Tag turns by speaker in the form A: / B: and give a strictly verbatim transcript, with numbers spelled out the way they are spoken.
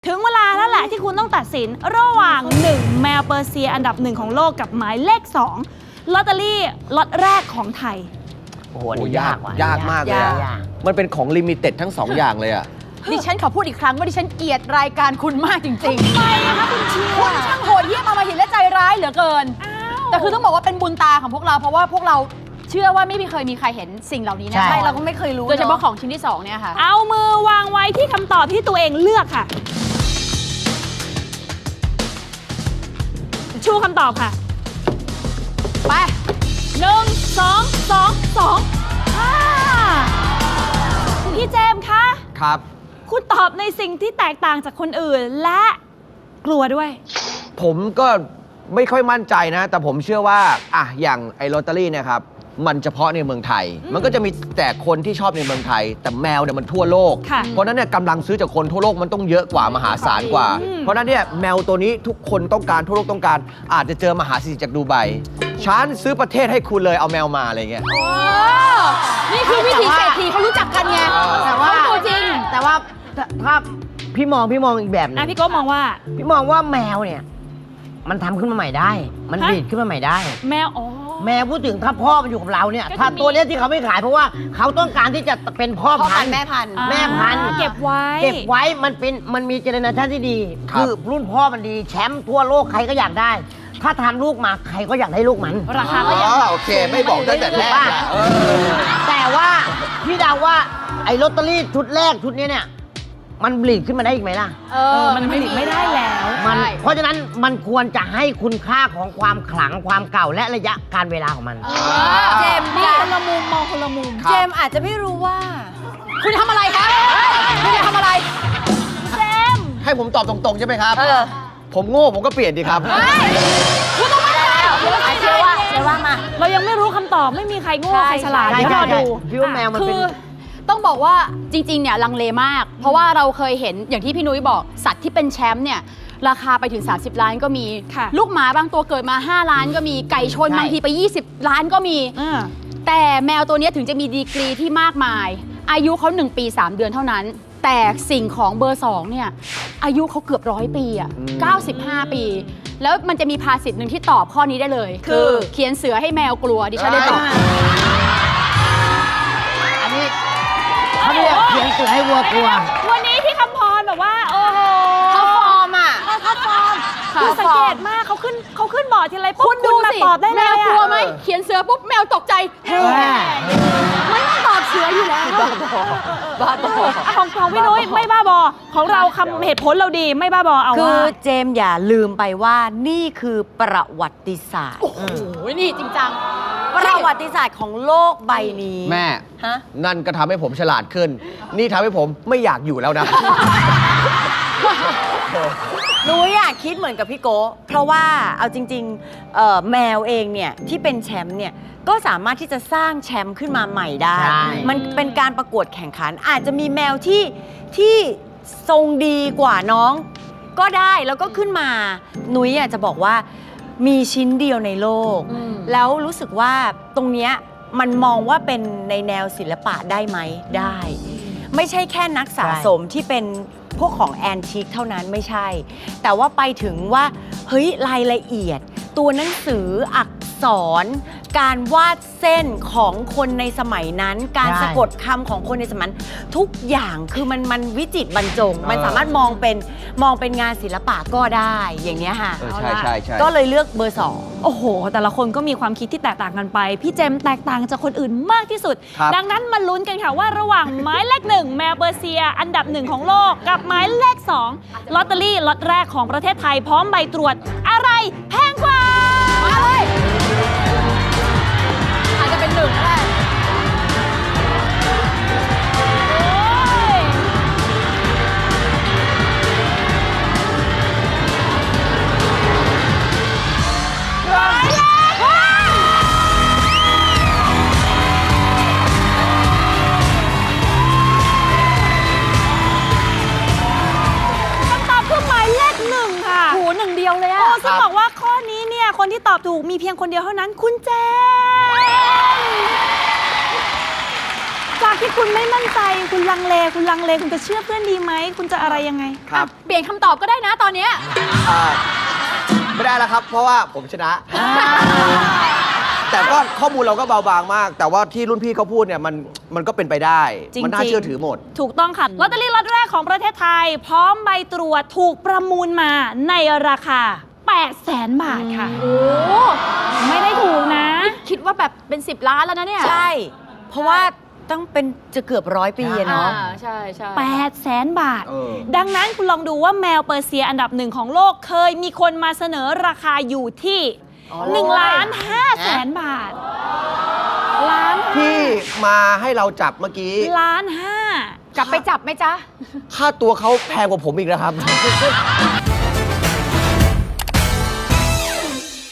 A: ถึงเวลาแล้วแหละที่คุณต้องตัดสินระหว่างหนึ่งแมวเปอร์เซียอันดับหนึ่งของโลกกับหมายเลขสองลอตเตอรี่ล็อตแรกของไทย
B: โอ้โหยากว่ะ
C: ยากมากเลยอะมันเป็นของลิมิเต็ดทั้งสองอย่างเลยอะ
D: ดิฉันขอพูดอีกครั้งว่าดิฉันเกลียดรายการคุณมากจริงๆทำ
A: ไมนะคะคุณเชียร์
D: คุณช่างโหดเหี้ยมอำมหิตและใจร้ายเหลือเกินแต่คือต้องบอกว่าเป็นบุญตาของพวกเราเพราะว่าพวกเราเชื่อว่าไม่มีเคยมีใครเห็นสิ่งเหล่านี้นะใช่เราก็ไม่เคยรู้โดยเฉพาะของชิ้นที่สองเนี่ยค่ะ
A: เอามือวางไว้ที่คำตอบที่ตัวเองเลือกค่ะชูคำตอบค่ะ
D: ไป
A: หนึ่งสองสองสองห้าพี่เจมส์คะ
C: ครับ
A: คุณตอบในสิ่งที่แตกต่างจากคนอื่นและกลัวด้วย
C: ผมก็ไม่ค่อยมั่นใจนะแต่ผมเชื่อว่าอ่ะอย่างไอ้ลอตเตอรี่เนี่ยครับมันเฉพาะในเมืองไทยมันก็จะมีแต่คนที่ชอบในเมืองไทยแต่แมวเนี่ยมันทั่วโลกเพราะนั้นเนี่ยกำลังซื้อจากคนทั่วโลกมันต้องเยอะกว่ามหาศาลกว่าเพราะนั้นเนี่ยแมวตัวนี้ทุกคนต้องการทั่วโลกต้องการอาจจะเจอมหาเศรษฐีจากดูไบฉันซื้อประเทศให้คุณเลยเอาแมวมาอะไรเงี้ย
D: นี่คือวิธีเศรษฐีเขารู้จักกันไง
B: แต่ว่า
D: ตัวจริง
B: แต่ว่าถ้าพี่มองพี่มองอีกแบบนึง
A: พี่ก็มองว่า
B: พี่มองว่าแมวเนี่ยมันทำขึ้นมาใหม่ได้มันผลิตขึ้นมาใหม่ได้
A: แมวอ๋อ
B: แมวพูดถึงถ้าพ่อมันอยู่กับเราเนี่ยถ้าตัวเนี้ยที่เขาไม่ขายเพราะว่าเขาต้องการที่จะเป็นพ่อพันธุ์
D: แม่พันธุ์
B: แม่พันธุ์
A: เก็บไว้
B: เก็บไว้มันเป็นมันมีเจเนอเรชันที่ดีคือรุ่นพ่อมันดีแชมป์ทั่วโลกใครก็อยากได้ถ้าทำลูกมาใครก็อยากได้ลูกมัน
A: ราคาก็ยัง
C: โอเคไม่บอกตั้งแต่แรก
B: แต่ว่าพี่เดาว่าไอ้ลอตเตอรี่ชุดแรกชุดนี้เนี่ยมันผลิตขึ้นมาได้อีกไหมล่ะ
A: เออมันผลิตไม่ได้แล้ว
B: มันเพราะฉะนั้นมันควรจะให้คุณค่าของความขลังความเก่าและระยะการเวลาของมัน
D: เจมส์
A: มองคนละมุมมองคนละมุม
D: เจมส์อาจจะไม่รู้ว่าคุณทำอะไรคะคุณจะทำอะไร
A: เจมส์
C: ให้ผมตอบตรงๆใช่ไหมครับผมโง่ผมก็เปลี่ยนดีครับ
D: คุณต้องไม่ได้
B: เชื่อว่าเชื่อว่ามา
A: เรายังไม่รู้คำตอบไม่มีใครโง่ใครฉลาดเดี๋ยวรอดู
B: พี่ว่าแมวมันเป็น
D: ต้องบอกว่าจริงๆเนี่ยลังเลมากเพราะว่าเราเคยเห็นอย่างที่พี่นุ้ยบอกสัตว์ที่เป็นแชมป์เนี่ยราคาไปถึงสามสิบล้านก็มีลูกหมาบางตัวเกิดมาห้าล้านก็มีไก่ชนบางทีไปยี่สิบล้านก็มีแต่แมวตัวนี้ถึงจะมีดีกรีที่มากมายอายุเขาหนึ่งปีสามเดือนเท่านั้นแต่สิ่งของเบอร์สองเนี่ยอายุเขาเกือบร้อยปีอ่ะเก้าสิบห้าปีแล้วมันจะมีภาษิตหนึ่งที่ตอบข้อนี้ได้เลยคือเขียนเสือให้แมวกลัวดิฉันได้ตอบ
B: อันนี้เขาเรียกเขียนเสือให้วัวกลัว
A: วันนี้พี่คำพรแบบว่าโอ้โห
D: เขาฟอร์มอ่ะ
A: เขาฟอร์มคือสังเกตมากเขาขึ้นเขาขึ้นบอร์ดทีไรปุ๊บคุณดูสิ
D: ตอบได้เลยแมวกลัวไหมเขียนเสือปุ๊บแมวตกใจเฮ้ไม่ต้องตอบเสืออยู่แล้ว
A: บ้าบอของของพี่นุ้ยไม่บ้าบอของเราคำเหตุผลเราดีไม่บ้าบอเอาว่า
E: คือเจมอย่าลืมไปว่านี่คือประวัติศาสตร์
D: โอ้โหนี่จริงจัง
E: ประวัติศาสตร์ของโลกใบนี้
C: แม่นั่นก็ทำให้ผมฉลาดขึ้นนี่ทำให้ผมไม่อยากอยู่แล้วนะ
E: หนูอยากคิดเหมือนกับพี่โก้เพราะว่าเอาจริงๆแมวเองเนี่ยที่เป็นแชมป์เนี่ยก็สามารถที่จะสร้างแชมป์ขึ้นมาใหม่ได้มันเป็นการประกวดแข่งขันอาจจะมีแมวที่ที่ทรงดีกว่าน้องก็ได้แล้วก็ขึ้นมาหนูอยากจะบอกว่ามีชิ้นเดียวในโลกแล้วรู้สึกว่าตรงเนี้ยมันมองว่าเป็นในแนวศิลปะได้ไหมได้ไม่ใช่แค่นักสะสมที่เป็นพวกของแอนทิคเท่านั้นไม่ใช่แต่ว่าไปถึงว่าเฮ้ยรายละเอียดตัวหนังสืออักษรการวาดเส้นของคนในสมัยนั้นการสะกดคำของคนในสมัยนั้นทุกอย่างคือมันมันวิจิตรบรรจงมันสามารถมองเป็นมองเป็นงานศิลปะก็ได้อย่างเนี้ยค่ะ
C: ใช่ใช่ใช่
E: ก็เลยเลือกเบอร์สอง
A: โอ้โหแต่ละคนก็มีความคิดที่แตกต่างกันไปพี่เจมแตกต่างจากคนอื่นมากที่สุดดังนั้นมาลุ้นกันค่ะว่าระหว่างหมายเลขหนึ่งแมวเปอร์เซียอันดับหนึ่งของโลกกับหมายเลขสองลอตเตอรี่ล็อตแรกของประเทศไทยพร้อมใบตรวจอะไรแพงกว่า
D: มาเลยอาจจะเป็นหนึ่งก็ได้หนึ่งเดียวเลยอะ
A: ซึ่งบอกว่าข้อนี้เนี่ยคนที่ตอบถูกมีเพียงคนเดียวเท่านั้นคุณเจมจากที่คุณไม่มั่นใจคุณลังเลคุณลังเลคุณจะเชื่อเพื่อนดีไหมคุณจะอะไรยังไง
C: ครับ
D: เปลี่ยนคำตอบก็ได้นะตอนเนี้ย
C: อ่าไม่ได้แล้วครับ เพราะว่าผมชนะ แต่ก็ข้อมูลเราก็เบาบางมาก แต่ว่าที่รุ่นพี่เขาพูดเนี่ยมันมันก็เป็นไปได้
A: จริงๆ
C: มัน่าเชื่อถือหมด
A: ถูกต้องค่ะลอตเตอรี่ล็อตแรกของประเทศไทย พร้อมใบตรวจถูกประมูลมาในราคาแปดแสนบาทค่ะ
D: โอ้
A: ไม่ได้ถูกนะ
D: คิดว่าแบบเป็นสิบล้านแล้วนะเนี่ย
E: ใช่ เพราะว่าต้องเป็นจะเกือบร้อยปีอะ
D: อ่า
E: เนาะ
D: ใช่ใช่
A: แปดแสนบาท
C: เออ
A: ดังนั้นคุณลองดูว่าแมวเปอร์เซียอันดับหนึ่งของโลกเคยมีคนมาเสนอราคาอยู่ที่
E: อ๋อ
A: หนึ่งล้านห้าแสนบาท ล้าน
C: ที่มาให้เราจับเมื่อกี้
A: ล้านห้า
D: กลับไปจับไหมจ๊ะ
C: ค่าตัวเขาแพงกว่าผมอีกนะครับ